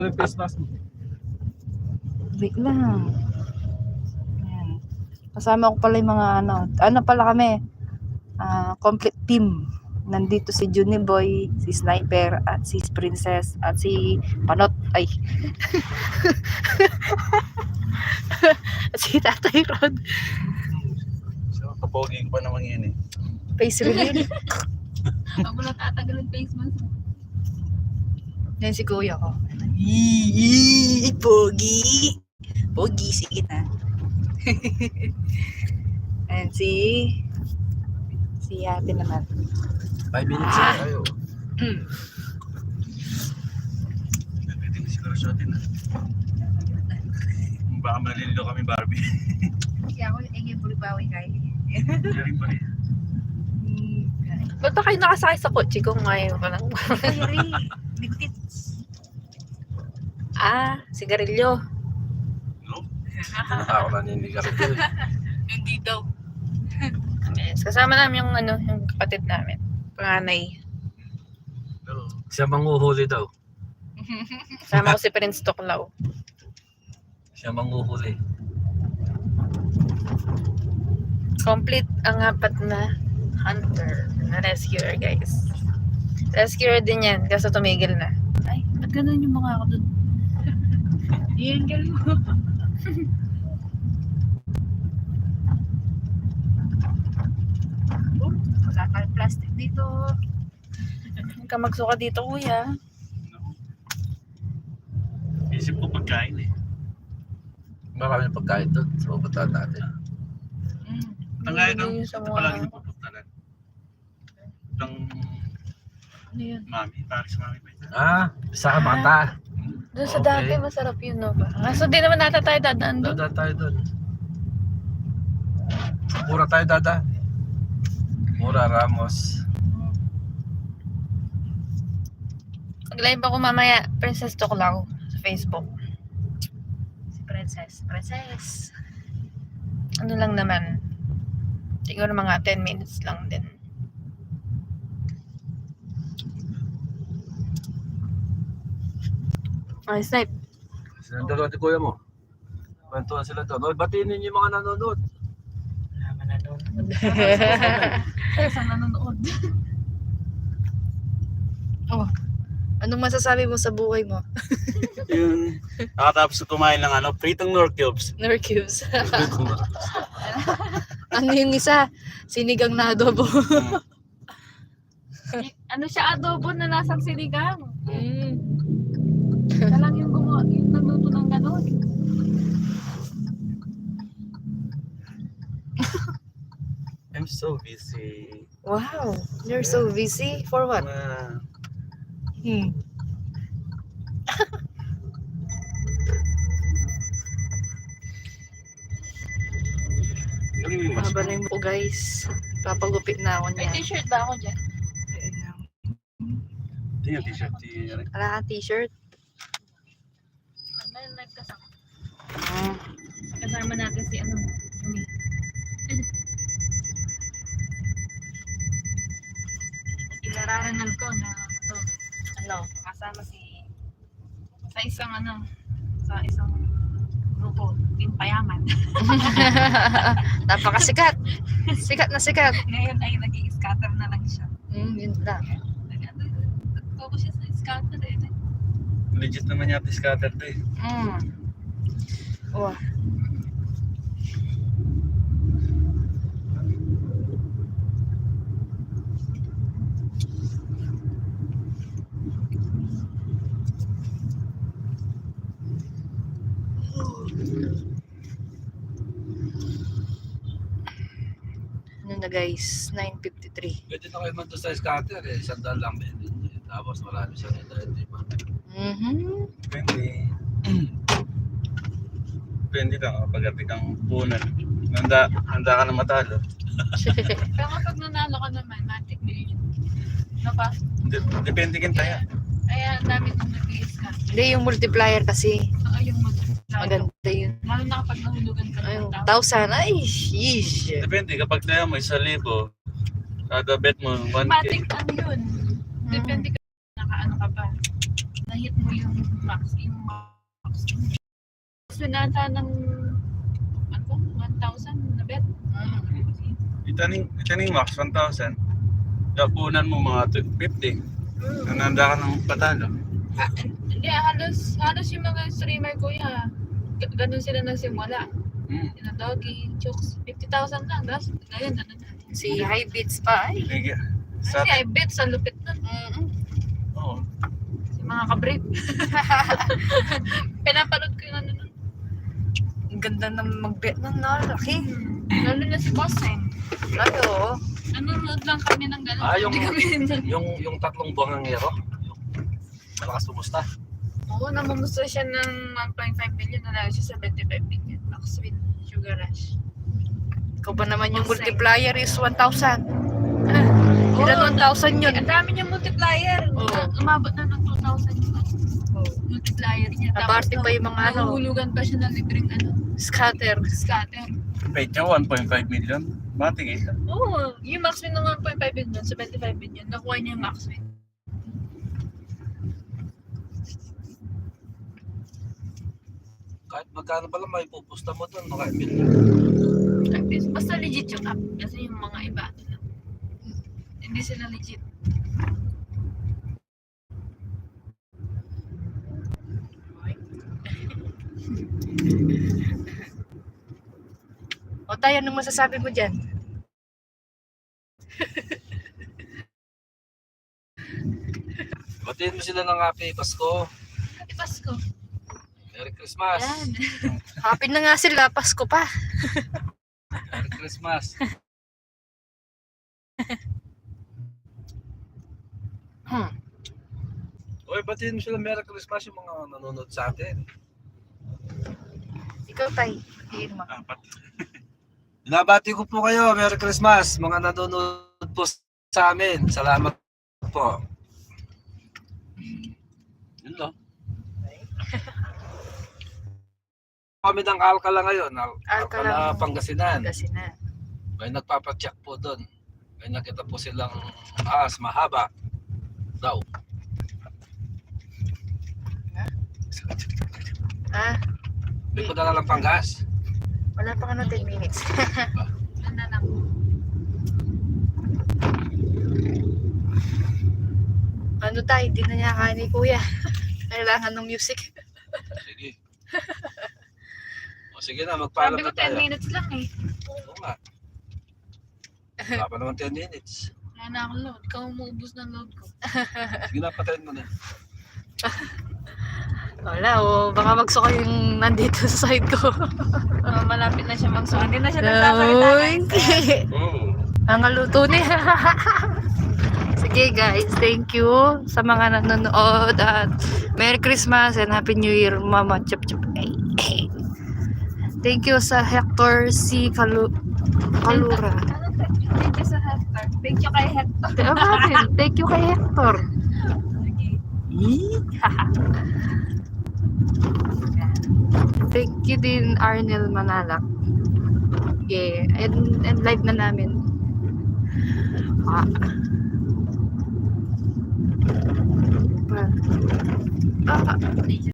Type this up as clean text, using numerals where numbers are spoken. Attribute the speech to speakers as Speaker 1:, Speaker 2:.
Speaker 1: May face mask mo.
Speaker 2: Wait lang. Ayan. Kasama ko pala yung mga ano pala kami, complete team. Nandito si Juniboy, si Sniper, at si Princess, at si Panot. Ay. At si Tatay Rod.
Speaker 1: So, kapoging pa naman yan eh.
Speaker 2: Face reveal.
Speaker 3: Ako lang tatagal ng face mask.
Speaker 2: Yan si Kuya ko. Pogi. Pogi, sige na. And si ate naman.
Speaker 1: 5 minutes na tayo. Pwede na siguro sa atin ah. Baka malililo kami Barbie.
Speaker 3: Kaya ako yung bulibawi kayo.
Speaker 1: Galing pa rin.
Speaker 2: Ba't ba kayo nakasakay sa kotse kung ngayon ka lang?
Speaker 3: Ayari, ligtits.
Speaker 2: Sigarilyo.
Speaker 1: No? Ako naninigarilyo.
Speaker 2: Hindi daw. Yes, kasama namin yung kapatid namin. Panganay.
Speaker 1: No. Siya manguhuli daw.
Speaker 2: Kasama ko si Prince Toklaw.
Speaker 1: Siya manguhuli.
Speaker 2: Complete ang apat na hunter na rescuer, guys. Rescuer din yan, kasi tumigil na. Ay, ba't ganun yung mukha ko dun?
Speaker 3: I-angle mo. Wala tayong plastic dito.
Speaker 2: Huwag ka magsuka dito, kuya.
Speaker 1: No. Isip ko pagkain eh. Maraming pagkain doon sa pupuntahan natin. Ang gaya ng
Speaker 2: Sa
Speaker 1: ito
Speaker 2: mga-
Speaker 1: palagi pupuntahan. Itong
Speaker 2: Ano yun?
Speaker 1: mami, Paris mami pa ito.
Speaker 4: Sa Mata.
Speaker 2: Doon sa
Speaker 4: Okay.
Speaker 2: dati, masarap yun, no ba? Kaso di naman nata tayo dadaan doon.
Speaker 4: Dada tayo doon. Mura tayo, Dada. Mura, Ramos.
Speaker 2: Mag-live ako mamaya, Princess Toklaw, sa Facebook.
Speaker 3: Si Princess.
Speaker 2: Ano lang naman. Siguro mga 10 minutes lang din. Ay, Snipe.
Speaker 4: Silang dalawa ni kuya mo. Kwentuhan sila doon. Oy, batiin ninyo yung mga nanonood.
Speaker 3: Isang nanonood.
Speaker 2: Anong masasabi mo sa buhay mo?
Speaker 1: Yung nakatapos kumain ng pritong nor cubes.
Speaker 2: Nor cubes. Ano yung isa? Sinigang na adobo.
Speaker 3: Ano siya, adobo na lasang sinigang.
Speaker 2: Mm.
Speaker 3: Siya lang yung gumawa, yung nagluto ng gano'n.
Speaker 1: I'm so busy.
Speaker 2: Wow, you're so busy. For what? Mahaba na yung buko, guys. Papagupit na ako
Speaker 3: May
Speaker 2: niya.
Speaker 3: t-shirt ba ako dyan?
Speaker 1: Ito yung t-shirt.
Speaker 2: Wala kang t-shirt.
Speaker 3: Ano yung nagkasama?
Speaker 2: Ah.
Speaker 3: Kasama natin si Yumi. Ilararan ko na kasama si sa isang grupo, Payaman.
Speaker 2: Napakasikat. Sikat na sikat.
Speaker 3: Ngayon ay nag-i-scatter na lang siya.
Speaker 2: Yun lang.
Speaker 3: Nag-focus siya sa scatter eh.
Speaker 1: Legit naman yata scatter to eh.
Speaker 2: Wow. Ano na guys, 9:53.
Speaker 4: Pwede na kayo man doon sa scatter eh. Sandal lang din. Tapos marami siya nito. Hindi man.
Speaker 1: Depende. Depende lang kapag ati kang punan. Handa ka na matalo.
Speaker 3: Pero kapag nanalo ka naman, matik million. No ba?
Speaker 1: Depende kin tayo.
Speaker 3: Kaya ang dami itong nag-i-scatter.
Speaker 2: Hindi, yung multiplier kasi.
Speaker 3: Yung
Speaker 2: Maganda yun.
Speaker 3: lalo na kapag nahulugan ka
Speaker 2: Ayun,
Speaker 3: ng
Speaker 2: 1,000. Ay, sheesh.
Speaker 1: Depende kapag tayo mo 1,000. Kada bet mo 1K.
Speaker 3: Matik ano yun. Depende ka nakaano ka pa. Nahit mo yung max. Gusto nata ng 1,000 na bet.
Speaker 5: Itaning max 1,000. Kapunan mo mga 250. Nananda ka ng patalo.
Speaker 3: Hindi, halos yung mga streamer ko ganun sila nagsimula. Yung Doggy, Chooks, 50,000 lang. Tapos ngayon, ano na.
Speaker 2: Si High Beats pa ay.
Speaker 5: Sige.
Speaker 3: Kasi I bet sa lupit nun.
Speaker 5: Oo.
Speaker 3: Si mga kabrip. Pinapanood ko yung ano nun.
Speaker 2: Ang ganda ng mag-bet nun, no? Laki.
Speaker 3: Lalo na si Boss
Speaker 2: Ay, oo.
Speaker 3: Nanonood lang kami ng gano'n.
Speaker 4: Yung tatlong buwangangero. Malakas pumusta.
Speaker 3: Oo, namumusta siya ng 1.5 million. Nalaga siya sa 25 million. Max with Sugar Rush.
Speaker 2: Ikaw ba naman yung
Speaker 3: Boss,
Speaker 2: multiplier is 1,000? Ilan 1,000 yun?
Speaker 3: Ang dami niyang multiplier.
Speaker 2: Oo.
Speaker 3: Umabot na ng 2,000 yung multiplier niya.
Speaker 2: Aparte pa yung mga ano,
Speaker 3: Nahulugan pa siya ng libreng
Speaker 2: scatter.
Speaker 3: scatter.
Speaker 5: Page niya 1.5 million. Matigil.
Speaker 3: Oo, yung max win ng 1.5 million sa 25 million. Nakuha niya yung max win.
Speaker 4: Kahit magkano pa lang may pupusta mo doon, maka-email.
Speaker 3: Basta legit yung app. Kasi yung mga iba, ano lang. Hindi sila legit.
Speaker 2: O tayo, anong masasabi mo dyan?
Speaker 4: Batiin mo sila ng Happy Pasko.
Speaker 3: Happy Pasko.
Speaker 4: Merry Christmas.
Speaker 3: Yan.
Speaker 2: Happy na nga sila, Pasko pa.
Speaker 4: Merry Christmas. Uy, batiin mo sila Merry Christmas yung mga nanonood sa atin.
Speaker 2: Ikaw, Tay. Tiin mo.
Speaker 5: Apat.
Speaker 4: Binabati ko po kayo, Merry Christmas, mga nanonood po sa amin. Salamat po. Yun lang. Kami ng Alcala ngayon, Alcala, Pangasinan.
Speaker 2: Kasi na.
Speaker 4: May nagpapacheck po doon. May nakita po silang ahas mahaba daw.
Speaker 2: Ah,
Speaker 4: May ko dala lang panggas.
Speaker 2: wala pa ano 10 minutes.
Speaker 3: Ano lang.
Speaker 2: Ano tayo, hindi na niya kaya ni Kuya. Kailangan ng music.
Speaker 4: Sige. O sige na, magpaalam
Speaker 3: Sabi ko
Speaker 4: na tayo.
Speaker 3: 10 minutes lang eh.
Speaker 4: Oo nga. Wala pa naman 10 minutes.
Speaker 3: Wala na akong load. Ikaw umuubos ng load ko.
Speaker 4: Sige na, patayin mo na.
Speaker 2: Wala, o baka magsuka yung nandito sa side ko.
Speaker 3: Malapit na siya magsuka. Hindi na siya nagsasalita.
Speaker 2: Uy, ang luto niya. Sige guys, thank you sa mga nanonood at Merry Christmas and Happy New Year, Mama Chup Chup. Thank you sa Hector C. Kalura.
Speaker 3: Thank you sa Hector. Thank you kay Hector.
Speaker 2: Thank you kay Hector. Thank you din Arnel Manalak. Yeah, and live na namin.